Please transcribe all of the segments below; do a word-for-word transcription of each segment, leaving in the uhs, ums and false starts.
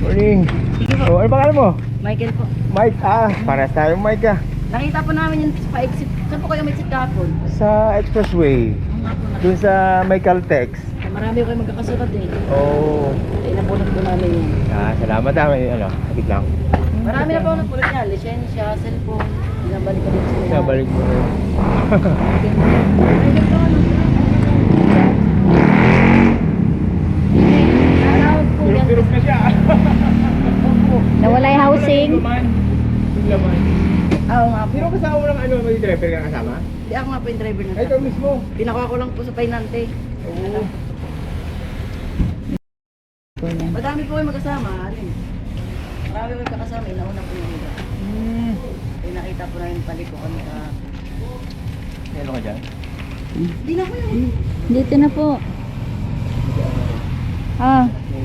Morning. Sige po. Oh, ano pangalan mo? Michael po. Mike. Ah, pares tayo Mike ah. Nakita po namin yung pa-exit. Saan po kayo may exit kahapon? Sa Expressway. Ang nga po na. Dun sa may Caltex. Marami ko kayo magkakasunod eh. Oh. Ay, napulot po namin yun. Ah, salamat ah. May ano, sakit lang. Marami na po ang napulot niya. Lisensya, cellphone. Binabalik ko dito sa mga. Nabalik mo rin. Alam po yan. Pirok na siya. Opo. Nawala yung housing. Yung laman. Oo nga po. Sino kasama mo ng ano? May driver ka kasama? Di ako nga po yung driver na Ay, ikaw mismo. Pinakuha ko lang po sa painante. Oo. Madami po kayo magkasama. Alin? Marami ko yung kakasama. Inauna po yung iba. Hmm. Ay, nakita po na yung paliko kami ka. Ano ka dyan? Hindi na ko yun. Dito na po. Ah,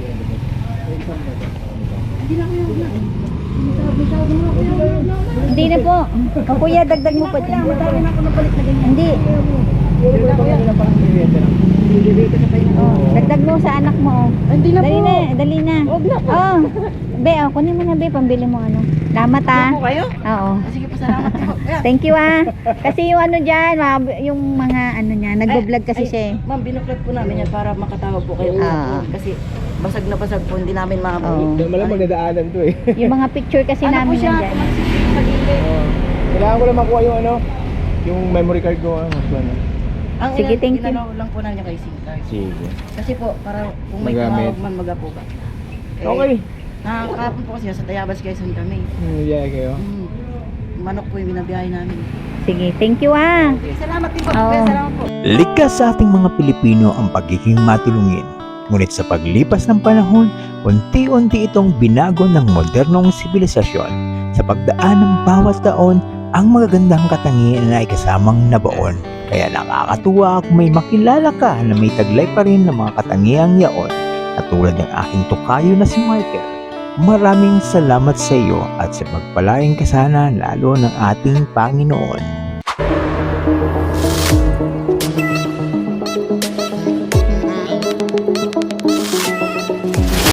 Hindi na ko yun. May tawag mo ako yun. hindi na po. O kuya, dagdag mo pa dyan. Madami na ako napalit na ganyan. Hindi. Pero ba kanina parang bibenta lang? Bibigay ko sa painante. Oh, dagdag mo sa anak mo. Oh. Hindi na Dali po. na, dali na. Huwag na po. Oh. Be, oh, kunin mo na be, pambili mo ano. Salamat ah. Ano po kayo? Oo. Ah, sige po, salamat po. Ayan. Thank you ah. Kasi yung ano dyan, mga- yung mga ano niya, nagbo-vlog kasi Ay, siya eh. Ma'am, binuklat po namin yan para makatawag po kayo. Ah. Kasi basag na basag po, hindi namin maabot. Oo. Doon malang magdadaanan to eh. Yung mga picture kasi Ano po namin siya? nandyan. Tumagsisip sa gilid. Oh. Kailangan ko lang makuha yung ano, yung memory card ko. Ano, ano. Ang Sige, ilan- thank you. inalaw lang po namin yung kay SIM card. Sige. Kasi po, para kung may Magamit. tumawag man magapo ka. Eh, Okay. Nakakapon po kasi sa Tayabas Quezon kami. Hmm, yeah, kayo. Mm. Manok po yung binabiyahe namin. Sige, thank you ah. Okay, salamat din po. Oo. Kuya, salamat po. Likas sa ating mga Pilipino ang pagiging matulungin. Ngunit sa paglipas ng panahon, unti-unti itong binago ng modernong sibilisasyon. Sa pagdaan ng bawat taon, ang magagandang katangian na ay kasamang nabaon. Kaya nakakatuwa kung may makilala ka na may taglay pa rin ng mga katangiang yaon. At tulad ng aking tukayo na si Michael. Maraming salamat sa iyo at sa pagpalain ka sana lalo ng ating Panginoon.